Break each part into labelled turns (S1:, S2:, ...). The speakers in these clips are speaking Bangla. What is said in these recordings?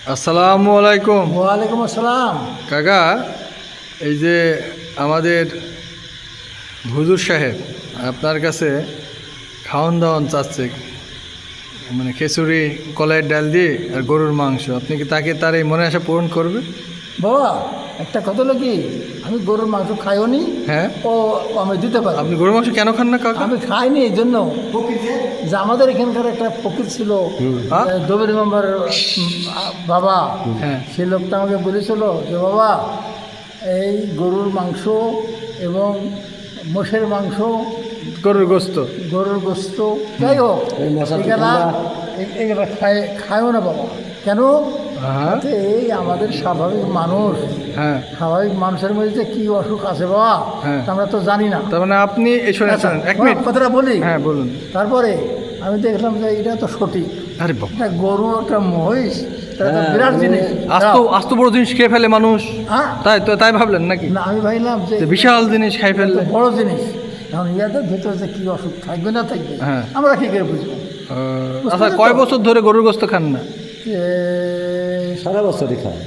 S1: আসসালামু আলাইকুম।
S2: ওয়ালাইকুম আসসালাম।
S1: কাকা, এই যে আমাদের হুজুর সাহেব আপনার কাছে খাওয়ান দাওয়ান চাচ্ছে, মানে খিচুড়ি, কলাইয়ের ডাল দিয়ে আর গরুর মাংস। আপনি কি তার এই মনে আশা পূরণ করবে?
S2: বাবা, একটা কথা হলো কি, আমি গরুর মাংস খাইও নি।
S1: হ্যাঁ,
S2: ও আমি দিতে পারি।
S1: আপনি গরুর মাংস কেন খান না কাকা?
S2: আমি খাইনি এই জন্য যে আমাদের এখানকার একটা ফকির ছিল, দবির মেম্বার বাবা।
S1: হ্যাঁ,
S2: সেই লোকটা আমাকে বলেছিল যে বাবা, এই গরুর মাংস এবং মোষের মাংস,
S1: গরুর গোস্ত,
S2: গরুর গোস্ত, যাই হোক, এগুলা খায়ও না বাবা। কেন?
S1: হ্যাঁ
S2: এই আমাদের স্বাভাবিক মানুষ,
S1: হ্যাঁ
S2: স্বাভাবিক মানুষের মধ্যে কি অসুখ আছে বাবা,
S1: হ্যাঁ,
S2: আমরা তো জানি না।
S1: তার মানে আপনি এই শোনেন, এক
S2: বাবা,
S1: মিনিট
S2: কথাটা বলি।
S1: হ্যাঁ বলুন।
S2: তারপরে আমি দেখলাম যে এটা তো সঠিক।
S1: আরে বাবা,
S2: একটা গরু, একটা মহিষ, এটা তো বিরাট জিনিস।
S1: আস্ত বড় জিনিস খেয়ে ফেলে মানুষ,
S2: হ্যাঁ,
S1: তাই ভাবলেন নাকি?
S2: না, আমি ভাবলাম যে
S1: যে বিশাল জিনিস খাই
S2: এটা
S1: ফেললে।
S2: তো বড় জিনিস। এখন ইয়াদের ভেতরে যে কি অসুখ থাকবে না থাকবে,
S1: হ্যাঁ,
S2: আমরা কি করে বুঝবো?
S1: আচ্ছা, কয় বছর ধরে গরুর গোস্ত খান না?
S3: সারা বছরই খায়।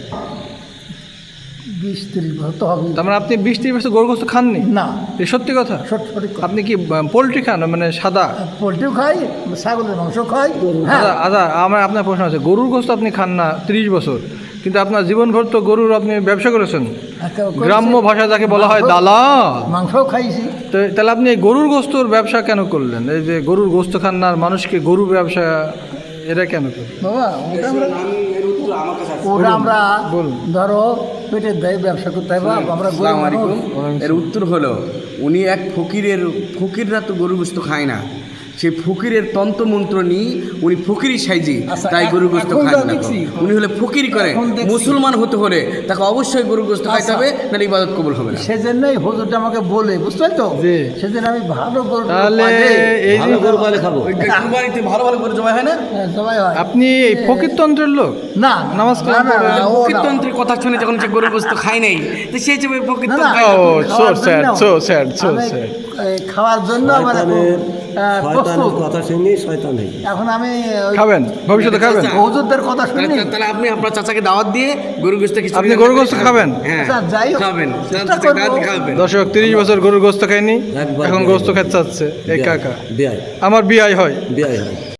S2: 20-30 বছর তো হবে।
S1: তার মানে আপনি 20-30 বছর গরুর গোস্ত খাননি?
S2: না,
S1: এ সত্যি কথা?
S2: সঠিক কথা।
S1: আপনি কি পোলট্রি খান, মানে সাদা?
S2: পোলট্রিও খাই, ছাগলের মাংস খাই। হ্যাঁ,
S1: আচ্ছা, আপনার প্রশ্ন আছে, গরুর গোস্ত আপনি খান না 30 বছর, কিন্তু আপনার জীবনভর তো গরুর আপনি ব্যবসা করেছেন, গ্রাম্য ভাষা যাকে বলা হয় দালাল।
S2: মাংসও খাইছি।
S1: তো তাহলে আপনি এই গরুর গোস্তর ব্যবসা কেন করলেন? এই যে গরুর গোস্ত খান না আর মানুষকে গরু ব্যবসা, এটা কেন করলেন?
S2: বাবা, ওটা আমরা
S1: বলুন।
S2: ধরো পেটের দায় ব্যবসা করতে হয়। আমরা গরু
S4: আসসালামু
S2: মানুষ।
S4: আলাইকুম। এর উত্তর হলো, উনি এক ফকিররা তো গরু গোস্ত খায় না, সেই ফকিরের তন্ত্রমন্ত্র নিয়ে উনি ফকিরি সাইজি,
S2: আচ্ছা,
S4: তাই গরু গোস্ত
S2: এখন
S4: খায়
S2: যা
S4: না।
S2: দেখছি,
S4: উনি হলে ফকিরি করে,
S2: এখন দেখছি।
S4: মুসলমান হতে হলে তাকে অবশ্যই গরু গোস্ত খাইতে
S2: আচ্ছা।
S4: হবে, নাহলে ইবাদত কবুল হবে না।
S2: সেজন্যই হুজুরটা আমাকে বলে, বুঝতে তো,
S1: জি।
S2: সেদিন আমি ভালো গরু
S1: তাহলে এই যে
S3: ভালো গরু পালে খাবো।
S4: ওই কুরবানিতে ভালো ভালো করে জবাই হয় না?
S2: সবাই হয়
S1: আপনি এই ফকিরতন্ত্রের লোক?
S2: না,
S1: নামাজ
S2: না,
S1: কালাম
S2: না,
S1: পড়ে।
S2: না, ও না।
S4: ফকিরতন্ত্রের কথা শুনে যখন সে গরু গোস্ত খায় নাই, তো সে যে
S2: না,
S4: ফকিরতন্ত্র
S2: না,
S4: খায় না।
S1: ও,
S2: খাওয়ার
S1: so sad,
S2: জন্য।
S1: so sad, so
S2: আমি,
S1: sad.
S2: খাওয়ার জন্য আমার এখন, প্রস্তুত।
S3: কথা শুনি শয়তান হয়ে যায়।
S2: এখন আমি
S1: খাবেন, ভবিষ্যতে খাবেন?
S2: হুজুরদের কথা শুনি।
S4: তাহলে আপনি আপনার চাচাকে দাওয়াত দিয়ে গরু গোস্ত খিচুড়ি
S1: আপনি গরু গোস্ত খাবেন?
S4: হ্যাঁ,
S2: আচ্ছা, যাই হোক,
S4: খাবেন,
S2: চেষ্টা
S4: চাচাকে দাওয়াত
S2: করবো।
S4: দিয়ে খাওয়াবেন।
S1: দর্শক, 30 বছর গরুর গোস্ত খাইনি,
S3: একবার
S1: এখন
S3: বিয়ে।
S1: গোস্ত খেতে চাচ্ছে এই কাকা।
S3: বিয়ায়
S1: আমার বিয়ে হয়।
S3: বিয়ায় হয়।